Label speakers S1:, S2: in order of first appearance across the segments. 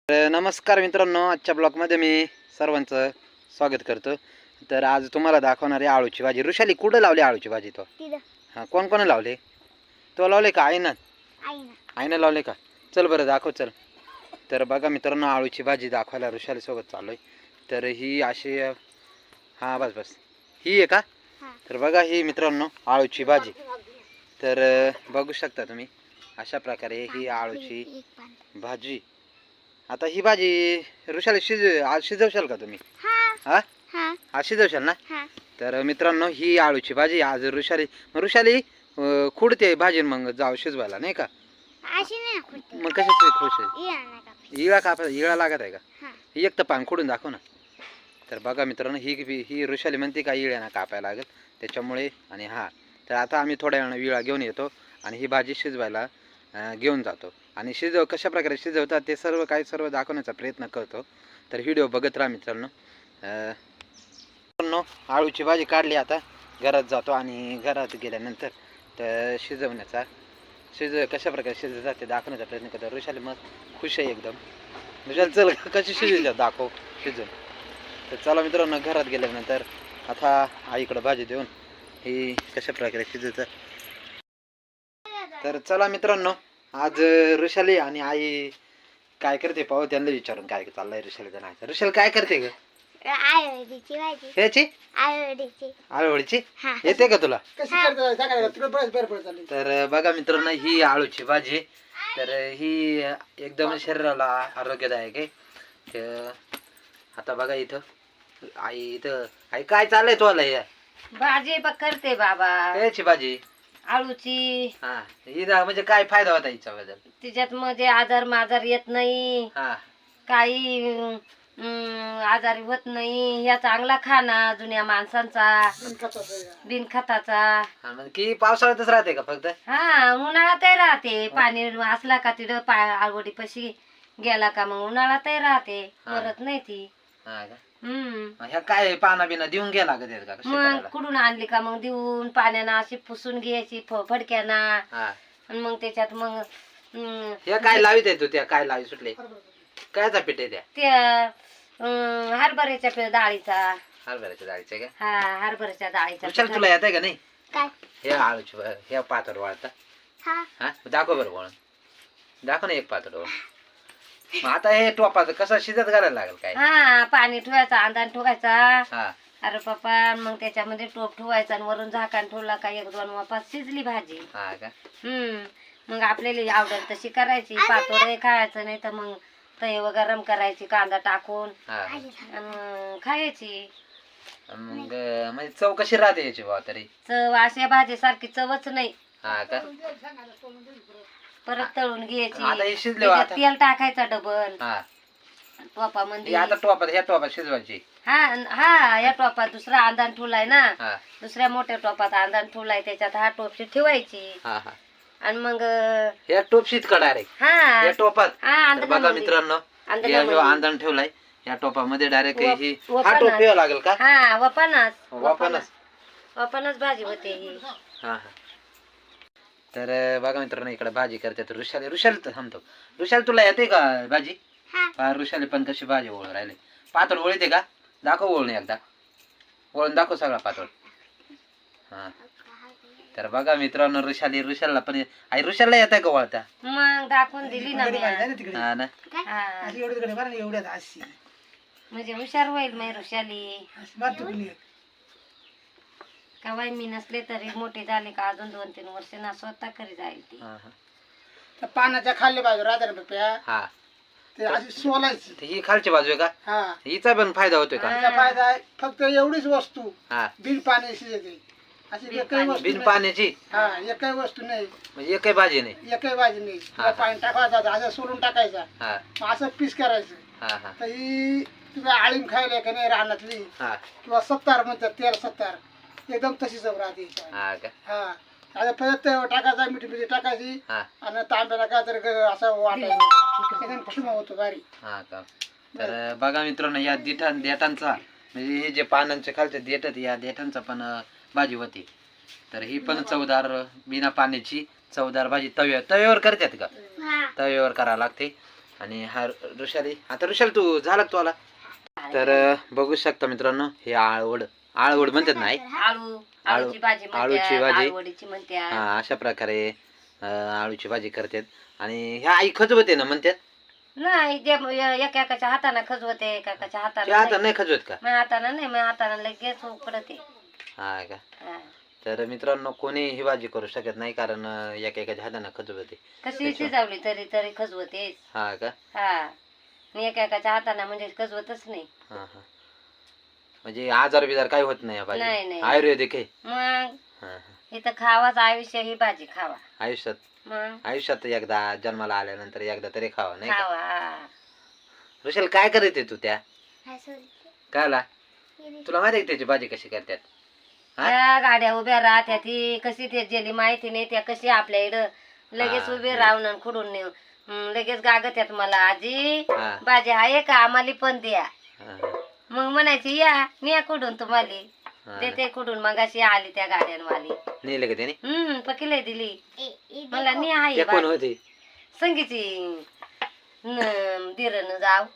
S1: नमस्कार मित्रांनो, आजच्या ब्लॉगमध्ये मी सर्वांचं स्वागत करतो. तर आज तुम्हाला दाखवणार आहे आळूची भाजी. ऋषाली कुठं लावली आळूची भाजी? तो हां, कोण कोण लावले? तो लावले का? आईनं लावले का? चल बरं दाखव चल. तर बघा मित्रांनो, आळूची भाजी दाखवायला ऋषाली सोबत चालू आहे. तर ही अशी हां बस ही आहे का? तर बघा ही मित्रांनो आळूची भाजी. तर बघू शकता तुम्ही अशा प्रकारे ही आळूची भाजी. आता ही भाजी ऋषाली आज शिजवशाल का तुम्ही? हा आज शिजवशाल ना? तर मित्रांनो ही आळूची भाजी आज ऋषाली खुडते भाजी मग जाऊ शिजवायला नाही का? मग कशाची खुश आहे? इळा लागत आहे का? ही एक तर पान खुडून दाखव ना. तर बघा मित्रांनो ही ऋषाली म्हणते का इळ्याना कापायला लागेल त्याच्यामुळे. आणि हा तर आता आम्ही थोड्या वेळानं विळा घेऊन येतो आणि ही भाजी शिजवायला घेऊन जातो आणि कशा प्रकारे शिजवतात ते सर्व दाखवण्याचा प्रयत्न करतो. तर व्हिडिओ बघत राहा मित्रांनो. आळूची भाजी काढली, आता घरात जातो आणि घरात गेल्यानंतर तर कशा प्रकारे शिजवतात ते दाखवण्याचा प्रयत्न करतो. ऋषाली मग खुश आहे एकदम. ऋषाली चल कशी शिजवतात दाखव शिजवून. तर चला मित्रांनो, घरात गेल्यानंतर आता आईकडे भाजी देऊन ही कशा प्रकारे शिजवतात. तर चला मित्रांनो, आज ऋषाली आणि आई काय करते पाहू. त्यांना विचारून काय चाललंय ऋषालीचं. नाही ऋषाली काय करते ग? ह्याची आळूवडीची येते का तुला? तर बघा मित्रांनो, ही आळूची भाजी तर ही एकदम शरीराला आरोग्यदायक आहे. तर आता बघा इथं आई काय चाललंय तुला? या
S2: भाजी करते बाबा.
S1: ह्याची भाजी
S2: आळूची.
S1: हा ही म्हणजे काय फायदा होता हिच्याबद्दल?
S2: तिच्यात म्हणजे आजार येत नाही,
S1: हा
S2: काही आजारी होत नाही. या चांगला खाना जुन्या माणसांचा, बिनखताचा.
S1: की पावसाळ्यातच राहते का फक्त?
S2: हा उन्हाळ्यातही राहते. पाणी असला का तिथं आळवडी पशी गेला का मग उन्हाळ्यातही राहते, मरत नाही ती.
S1: ह्या काय पाना बिना देऊन घ्या लागत आहेत का?
S2: मग कुठून आणली का मग देऊन पाण्यानं अशी पुसून घ्यायची फडक्याना. आणि मग त्याच्यात मग
S1: ह्या काय लावित आहे तू? त्या काय लावी सुटले? कायचा पीठ आहे
S2: त्या हरभऱ्याच्या डाळीचा.
S1: हरभऱ्याच्या डाळीचे का?
S2: हा हरभऱ्याच्या डाळीचा.
S1: चल तुला येत आहे का नाही? हे आळूची हे पातळ वाळता. हा दाखव बरं वळून दाखव ना एक पातळ वळून. मग आता हे टोपाचं कसं शिजत घालायला लागेल काय?
S2: हा पाणी ठेवायचा, अंदान ठेवायचा.
S1: हा
S2: अरे पप्पा मग त्याच्यामध्ये टोप ठेवायचा आणि वरून झाकण ठेवला का 1-2 वाफात शिजली भाजी.
S1: हा का?
S2: मग आपल्याला आवडेल तशी करायची. पातोडे खायचं नाही तर मग तव गरम करायची कांदा टाकून आणि खायची.
S1: मग म्हणजे चव कशी राहते याची बा तरी?
S2: चव अशा भाजी सारखी चवच नाही.
S1: हा का?
S2: परत तळून घ्यायची.
S1: आता हे शिजले
S2: त्याच्यात तेल टाकायचा डबल.
S1: हा
S2: टोपामध्ये
S1: आता ह्या टोपात शिजवायची.
S2: हा या टोपात दुसरा अंदान ठेवलाय ना.
S1: हा
S2: दुसऱ्या मोठ्या टोपात अंदान ठेवलाय, त्याच्यात हा टोपशी ठेवायची.
S1: हा हा
S2: आणि मग
S1: ह्या टोपशीत का डायरेक्ट
S2: हा
S1: या टोपात?
S2: हा
S1: बघा मित्रांनो, अंधण ठेवलाय या टोपामध्ये डायरेक्ट ही हा टोप ठेवावा लागेल का?
S2: हा
S1: वापरच
S2: भाजी होते ही.
S1: हा हा तर बघा मित्रांनो, इकडे भाजी करते. तर ऋषाली थांबतो. ऋषाली तुला येते का भाजी? ऋषाली पण कशी भाजी ओळ राहिले. पातळ ओळीते का? दाखव ओळून एकदा. ओळून दाखव सगळा पातळ. हा तर बघा मित्रांनो, ऋषालीला पण आई ऋषालीला येत आहे का वळता?
S2: मग दाखवून दिली ना
S1: हा ना.
S2: म्हणजे हुशार होईल मग ऋषाली. कवाय मी नसले तरी मोठे झाले का अजून 2-3 वर्ष ना स्वतः करी जाईल ती.
S3: पानाच्या खाल्ले बाजू राहते ना पप्या.
S1: हा
S3: ते अशी सोलायची.
S1: ही खालची बाजू आहे का?
S3: हा
S1: हिचा पण फायदा होतोय का?
S3: त्याचा फायदा आहे. फक्त एवढीच वस्तू
S1: हा
S3: बिन पाण्याची येते. अशी एकही वस्तू
S1: बिन
S3: नाही.
S1: पाण्याची
S3: हा एकही वस्तू नाही,
S1: म्हणजे एकही भाजी नाही.
S3: एकही भाजी नाही.
S1: हा.
S3: पाणी टाकायचं, असं सोलून टाकायचा,
S1: हा
S3: मग असं पीस करायचं.
S1: हा हा
S3: तर ही तुम्ही आळीम खायला का नाही रानातली
S1: हा
S3: किंवा 70 म्हणतात, 13-70 एकदम तशी चव राहते हिच्यावर.
S1: हा का?
S3: हा आता परत टाकायचा, मिठी टाकायची
S1: हा
S3: आणि तांब्याला काय तर असं वाटायचं, एकदम खिमा होतो भारी.
S1: हा का? तर बघा मित्रांनो, या देठांचा म्हणजे हे जे पानांचे खालचे देठ या देठांचा पण भाजी होती. तर ही पण चवदार बिना पाण्याची चवदार भाजी तव्यावर करतात का? तव्यावर करावं लागते. आणि हा ऋषाली. आता ऋषाली तू झाला का तू आला? तर बघू शकता मित्रांनो, हे आळवड आळवड म्हणतात नाही,
S2: आळूची भाजी
S1: आळूची
S2: म्हणतात,
S1: भाजी.
S2: आळूवडीची म्हणतात.
S1: हा अशा प्रकारे आळूची भाजी करतात. आणि ह्या आई खजवते ना म्हणतात.
S2: नाही ते एकाच्या हाताने खजवते, एकाच्या
S1: ते
S2: हाताने
S1: आता
S2: नाही.
S1: नाही खजवत का?
S2: माझ्या हाताने नाही, माझ्या हाताने लगेच उकडते.
S1: हा का?
S2: हा.
S1: तर मित्रांनो, कोणी ही भाजी करू शकत नाही, कारण एकेकाच्या हाताने खजवते.
S2: कशी शिजवली तरी तरी खजवते.
S1: हा का?
S2: हा. आणि एकाच्या हाताने म्हणजे खजवतच नाही.
S1: हा हा. म्हणजे आजार बिजार काही होत नाही या
S2: नाही,
S1: भाजी,
S2: नाही.
S1: आयुर्वेदिक आहे.
S2: मग
S1: हा हा.
S2: इथं खावाच आयुष्य, ही भाजी खावा.
S1: आयुष्यात
S2: मग
S1: आयुष्यात एकदा जन्माला आल्यानंतर एकदा तरी खावा नाही का?
S2: खावा.
S1: ऋषाल काय करते तू त्या कायला? तुला माहिती आहे त्याची भाजी कशी करतात? हा?
S2: त्या गाड्या उभ्या राहत्या, ती कशी ते जेली माहिती नाही, त्या कशी आपल्या इकडं लगेच
S1: हा,
S2: उभे
S1: हे.
S2: राहून आणि खुडून नेऊ. लगेच गागत्यात मला, आजी
S1: हा.
S2: भाजी आहे का, आम्हाला पण द्या.
S1: हा,
S2: मग म्हणायची या न्या खुडून तुम्हाला
S1: हा.
S2: देते खुडून. मग अशी आली त्या गाड्यांवाली,
S1: नेलं का त्याने?
S2: पकिले दिली मला. नी आहे
S1: ते कोण होते?
S2: संगीची दिरन जाव.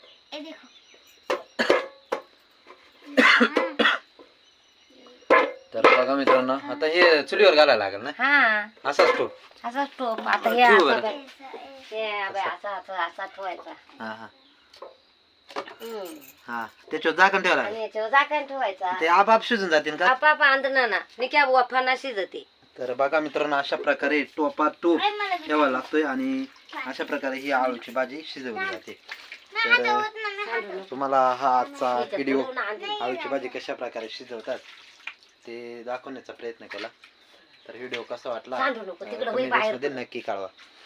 S1: तर बघा मित्रांनो, आता हे चुलीवर घालायला लागेल ना?
S2: हा
S1: असाच तो.
S2: असाच टोप. आता हे
S1: ठेवू
S2: असं
S1: बरं.
S2: बघ. हे बघ, असा ठेवायचा.
S1: हा हा
S2: हम्म.
S1: हा. त्याच्यावर झाकण ठेवायला
S2: आणि
S1: लागेल.
S2: याच्यावर झाकण ठेवायचा.
S1: ते आपाप शिजून जातील का?
S2: आपाप आंदना ना निक्या वाफाना शिजते.
S1: तर बघा मित्रांनो, अशा प्रकारे टोपा टोप ठेवावा लागतोय आणि अशा प्रकारे ही आळूची भाजी शिजवली जाते. तर तुम्हाला हा आजचा व्हिडिओ आळूची भाजी कशा प्रकारे शिजवतात ते दाखवण्याचा प्रयत्न केला. तर व्हिडिओ कसा वाटला
S2: सांडू नको, तिकडं होई
S1: कमेंट
S2: बाहेर
S1: मध्ये नक्की कळवा.